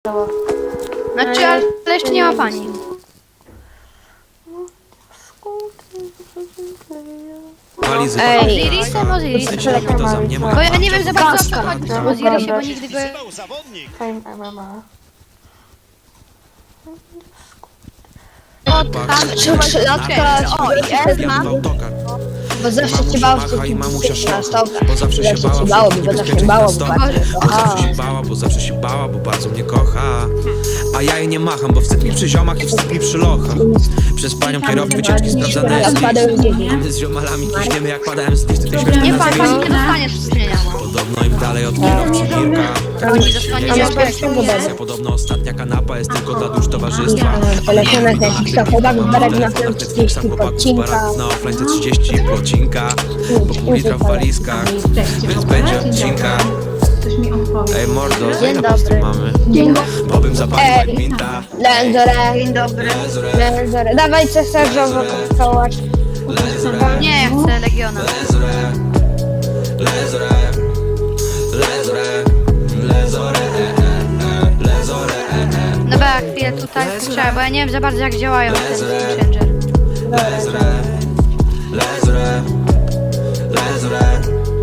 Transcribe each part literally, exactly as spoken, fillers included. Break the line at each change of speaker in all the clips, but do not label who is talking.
Znaczy, ale jeszcze nie ma pani.
Walizy.
Osirisem, Osirisem.
To za mnie ma.
Bo ja nie wiem za bardzo o co chodzi w tym Osirisie, bo nigdy go...
Fame M M A.
Od tam trzy latka, o, jest, mam.
Autokar.
Bo zawsze
Mamusia
cię bało w
macha i
tym
mamusia szok.
stopach.
Bo zawsze się
Zawsze
bała,
ci bało, bo zawsze bało, bo bardzo
Bo zawsze się bała, bo zawsze się bała, bo bardzo mnie kocha. A ja jej nie macham, bo wstyd mi przy ziomach i wstyd mi przy lochach. Przez panią kierowcę wycieczki sprawdzane
Ja
jest
wpadłem w dzieci.
My z ziomalami kiśniemy jak padałem z listy. Tej
Nie,
śmieszne
pani, pani nie
nazwiska.
dostanie wspomnienia.
Podobno im dalej od kierowcy Mirka.
Pani dostanie
A masz
dziobę.
pierwszą wodę.
Podobno ostatnia kanapa jest tylko dla dusz towarzystwa.
Polecone na jakichś samochodach, barek na trzydzieści podcinka.
Na offline te trzydzieści płocinka. Po pół litra w walizkach. Więc będzie odcinka. Ej mordo, za ile posty mamy? Bo bym zapalił jak pinta.
Lenzore. Dzień dobry. Lenzore. Dawaj cesarzowo kołacz.
Nie, ja chcę Legiona.
Lezore, lezore, lezore, lezore, lezore.
Dobra, chwilę tutaj trzeba, bo ja nie wiem za bardzo jak działają ten Game Changer.
Lezre, lezre, lezre,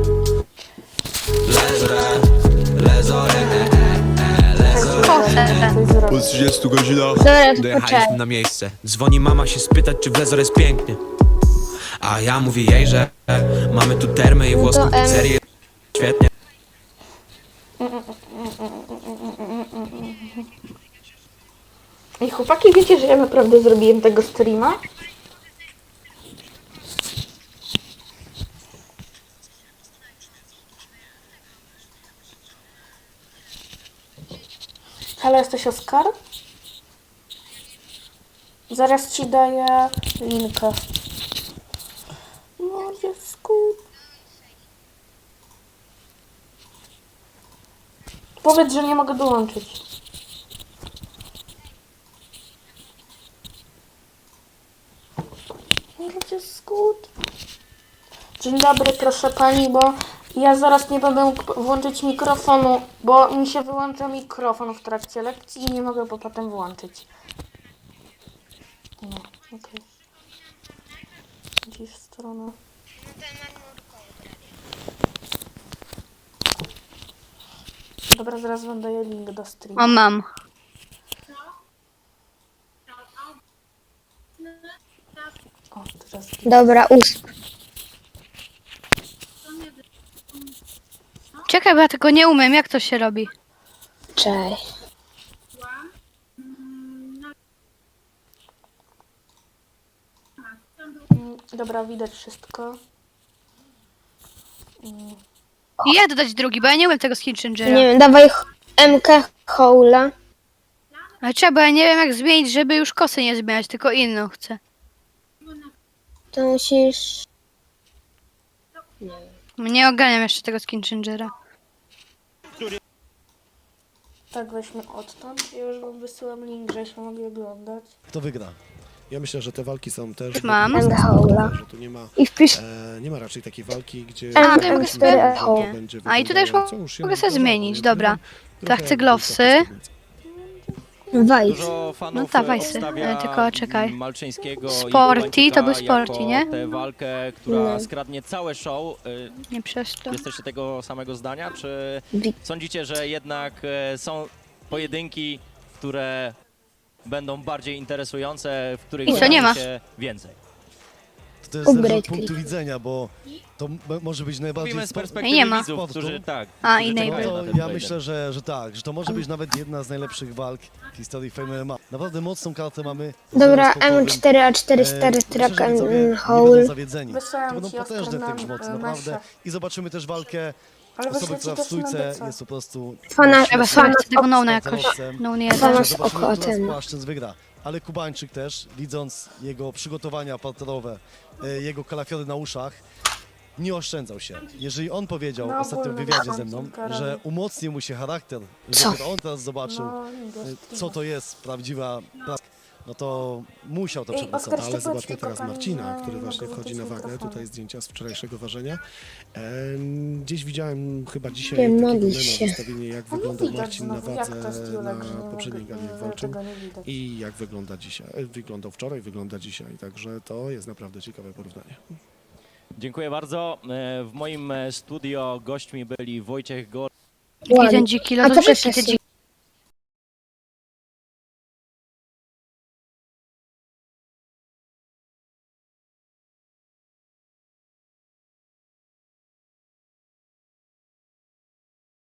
lezre, lezore,
Kosę.
Po trzydziestu godzinach
Dobra, to
dojechaliśmy
poczekaj.
na miejsce. Dzwoni mama się spytać, czy w Lezor jest pięknie. A ja mówię jej, że mamy tu termę i włoską
to, em,
pizzerię. Świetnie.
Ej, chłopaki, wiecie, że ja naprawdę zrobiłem tego streama? Halo, jesteś Oskar? Zaraz ci daję linkę. No, dziecku. Powiedz, że nie mogę dołączyć. Skut. Dzień dobry, proszę pani, bo ja zaraz nie będę mógł włączyć mikrofonu, bo mi się wyłącza mikrofon w trakcie lekcji i nie mogę go potem włączyć. No, okej. Okay. Gdzieś w stronę. Dobra, zaraz wam daję link do streamu.
O, mam.
O, teraz
Dobra, ust.
Czekaj, bo ja tego nie umiem, jak to się robi?
Cześć.
Mm, Dobra, widać wszystko. Mm,
I jak dodać drugi, bo ja nie umiem tego Skill Changera.
Nie wiem, dawaj ch- M K Hola.
Ale trzeba, bo ja nie wiem jak zmienić, żeby już kosy nie zmieniać, tylko inną chcę.
To musisz...
Nie ogarniam jeszcze tego Skin Changera.
Tak, weźmy odtąd. Ja już wam wysyłam link, żebyśmy mogli oglądać.
Kto wygra? Ja myślę, że te walki są też...
Mam.
M K Hola.
Że tu nie ma,
I wpisz...
e, nie ma raczej takiej walki, gdzie...
A,
tutaj mogę sobie-
M cztery
będzie
A, i tutaj już
wyglądało, co już
mogę
się
sobie
zdarzało,
zmienić,
jest
dobra.
trochę-
To ja chcę
trochę
glowsy.
Vice.
Dużo fanów
No ta,
e,
Wajsy,
obstawia
ale tylko czekaj.
Malczyńskiego i
Sporty, to był
Kubańczyka
Sporty,
jako
nie?
tę walkę, która
No.
skradnie całe show. E,
Nie przez to.
Jesteście tego samego zdania? Czy
Wi-
sądzicie, że jednak e, są pojedynki, które będą bardziej interesujące, w których
I co,
znajdzie
nie ma?
się więcej?
To jest zależy od
Upgrade
punktu
click.
widzenia, bo to m- może być najbardziej...
Mówimy z
sport-
perspektywy
nie ma.
widzów,
sportu.
którzy tak.
A,
którzy
i
czekają
Neighbor.
na
To
ten
ja
pojedynek.
myślę, że, że tak, że to może być nawet jedna z najlepszych walk w historii Fame M M A. Naprawdę mocną kartę mamy. z
Dobra,
sportowym.
M cztery A cztery
E,
Star
myślę,
Trek
że widzowie
and
nie
Hole.
będą zawiedzeni.
Wysłałem
To będą
ci, Oskar,
potężne
na,
te grzmoty,
e,
naprawdę.
mesze.
I zobaczymy też walkę
Ale
osoby,
wyślę ci
która w
też na
stójce
deca.
jest po prostu...
Fana-
Trzeba słuchać tego Nona jakoś.
sportowcem.
No nie
Fana-
jeden.
z
Zobaczymy,
oko
która z
ten.
płaszczyzn wygra. Ale Kubańczyk też, widząc jego przygotowania parterowe, e, jego kalafiory na uszach, nie oszczędzał się. Jeżeli on powiedział
No,
ostatnio w
ogólnie
wywiadzie
mam
ze mną,
kilka
że
razy.
umocnił mu się charakter,
Co?
że on teraz zobaczył,
No, nie
e,
wiem,
co to jest prawdziwa praca, no to musiał to
Ej,
przepracować.
Oskar,
Ale
Szczepeczki,
zobaczmy teraz
kochani,
Marcina,
nie
który
mogę
właśnie wchodzi na
włączyć
wagę.
mikrofonu.
Tutaj zdjęcia z wczorajszego ważenia. E, Gdzieś widziałem chyba dzisiaj
Nie,
takiego
modl
mema,
się.
zestawienie jak
No nie
wyglądał
widać
Marcin na
znowu, jak to jest
wadze
Julek,
na
że nie
poprzedniej
mogę-
gali jak
nie,
walczył
tego nie widać.
i jak wygląda dzisiaj. E, Wyglądał wczoraj, wygląda dzisiaj. Także to jest naprawdę ciekawe porównanie.
Dziękuję bardzo. E, W moim e, studio gośćmi byli Wojciech Gol.
I ten dziki
A to
lodoczeki, te
też jest
dziki.